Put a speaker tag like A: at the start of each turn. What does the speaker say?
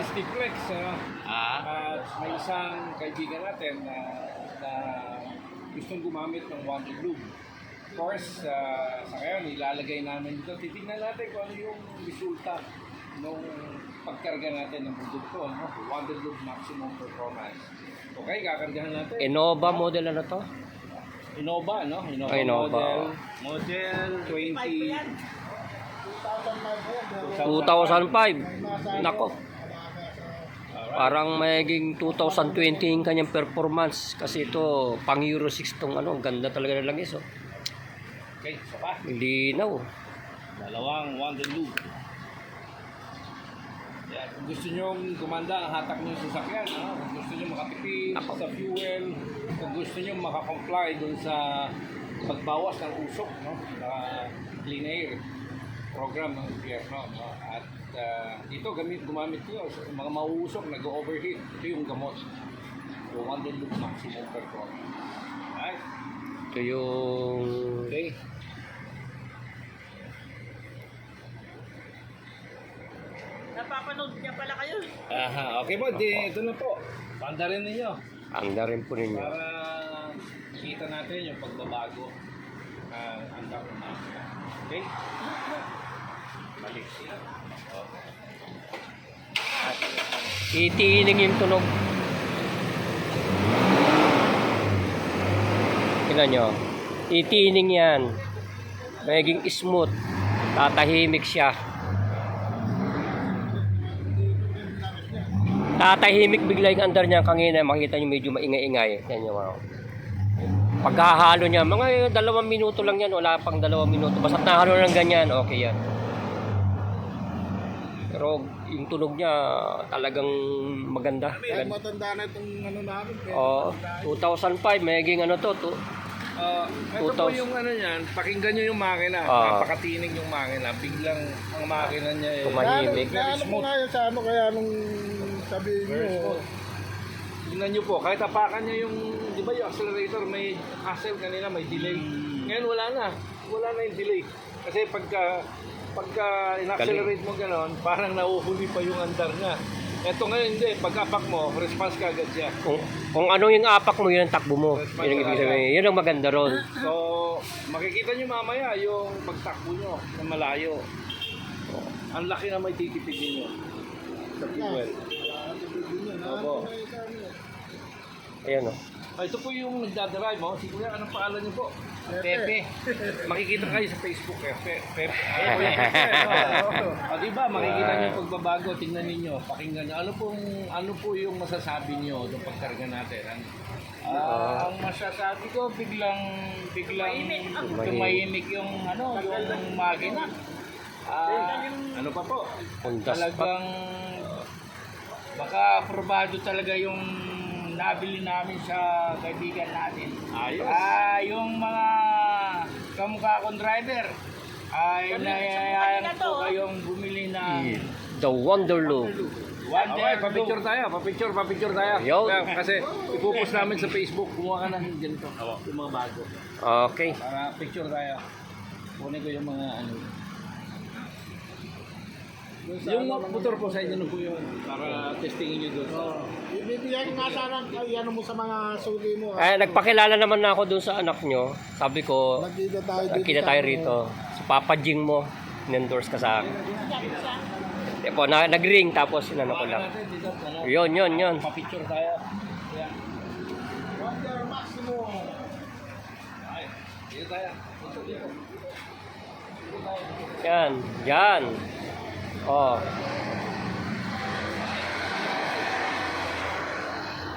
A: Stiplex, ano? At may isang kaibigan natin na gustong gumamit ng Wonder Lube. Of course, sa ngayon, ilalagay namin dito. Titignan natin kung ano yung resulta nung pagkarga natin ng produkto, ano? Wonder Lube Maximum Performance. Okay, kakargahan natin.
B: Innova model ano to?
A: Innova, no? Innova,
B: Innova.
A: Model 20...
B: 2005. Nako. Parang mayiging 2020 yung kanyang performance kasi ito pang Euro 6 tong ano, ang ganda talaga ng langis oh.
A: Okay, isa pa.
B: Linaw.
A: Dalawang Wonder Lube. Yan. Kung gusto nyo gumanda ang hatak nyo sa sasakyan, no? Kung gusto nyo makatipid sa fuel, kung gusto nyo makakomply dun sa pagbawas ng usok, no? Sa clean air program ng gobyerno, no? At dito gumamit nyo sa mga mauusok, nag-overheat. Ito yung gamot. Yung Wonder Lube Maximum Performance. Alright?
B: Ito yung
A: Okay.
C: Napapanood niya pala kayo.
A: Aha, okay po, ito na po. Panda rin ninyo.
B: anda rin po ninyo.
A: Para kita natin yung pagbabago ang makina. Okay? Balik siya.
B: Itiining yung tunog. Tingnan nyo. Itiining yan. Magiging smooth. Tatahimik siya. Tatahimik bigla yung andar niya. Kanina makita nyo medyo maingay-ingay. Yan yung wow. Pagkahalo niya, mga 2 minuto lang yan. Wala pang 2 minuto. Basta nahalo ng ganyan, okay yan. Pero yung tunog niya talagang maganda.
D: Kaya matanda na itong ano namin.
B: Oh, 2005, magiging ano to,
A: Ito po yung ano yan, pakinggan nyo yung makina. Napakatinig yung makina. Biglang ang makina niya
B: tumahimik.
D: Kaya mo nga yun sa ano, kaya nung sabihin nyo.
A: Tingnan nyo po, kahit tapakan nyo yung, di ba yung accelerator, may hassle kanina, may delay. Ngayon wala na yung delay. Kasi pagka in-accelerate mo gano'n, parang nauhuli pa yung andar niya. Ito ngayon hindi, pag-apak mo, response ka agad siya.
B: Kung ano yung apak mo, yun ang takbo mo. Yun ang ibig sabihin. Yun ang maganda ron.
A: So, makikita nyo mamaya yung pagtakbo nyo na malayo. Ang laki na may titipidin nyo sa fuel. Opo.
B: Ayan o.
A: Ito po yung nagdadrive mo. Si Kuya, anong pangalan niyo po? Pepe. Makikita kayo sa Facebook. Pepe. Ayan po yung Pepe. O diba, makikita niyo yung pagbabago. Tingnan niyo, pakinggan niyo. Ano po yung masasabi niyo doon pagkarga natin?
C: Ang masasabi ko, biglang tumahimik yung yung makina.
A: Ano pa po?
B: Honda
C: Talagang baka aprobado talaga yung nabili namin sa kaibigan natin.
A: Ayos.
C: Yung mga kamukha kong driver ay nayayaan ko kayong bumili ng
B: The Wonder Lube.
A: Okay, papicture tayo. Papicture tayo.
B: Yo.
A: Kasi ipupost namin sa Facebook. Kumuha ka ng ganito. Yung mga bago.
B: Okay.
A: Para picture tayo. Kunin ko yung mga ano. Yung motor po sa inyo na po yun. Para testingin nyo doon.
D: Ibibigyan nga sana ano mo sa mga sugi mo.
B: Nagpakilala naman na ako dun sa anak nyo. Sabi ko,
D: Nagkita
B: tayo rito. Sa Papa Jing mo, in-endorse ka sa akin. Po, nag-ring tapos inano ko lang. Yun.
A: Papicture tayo.
D: Wonder Maximum.
A: Ay, dito tayo.
B: Yan. Oh.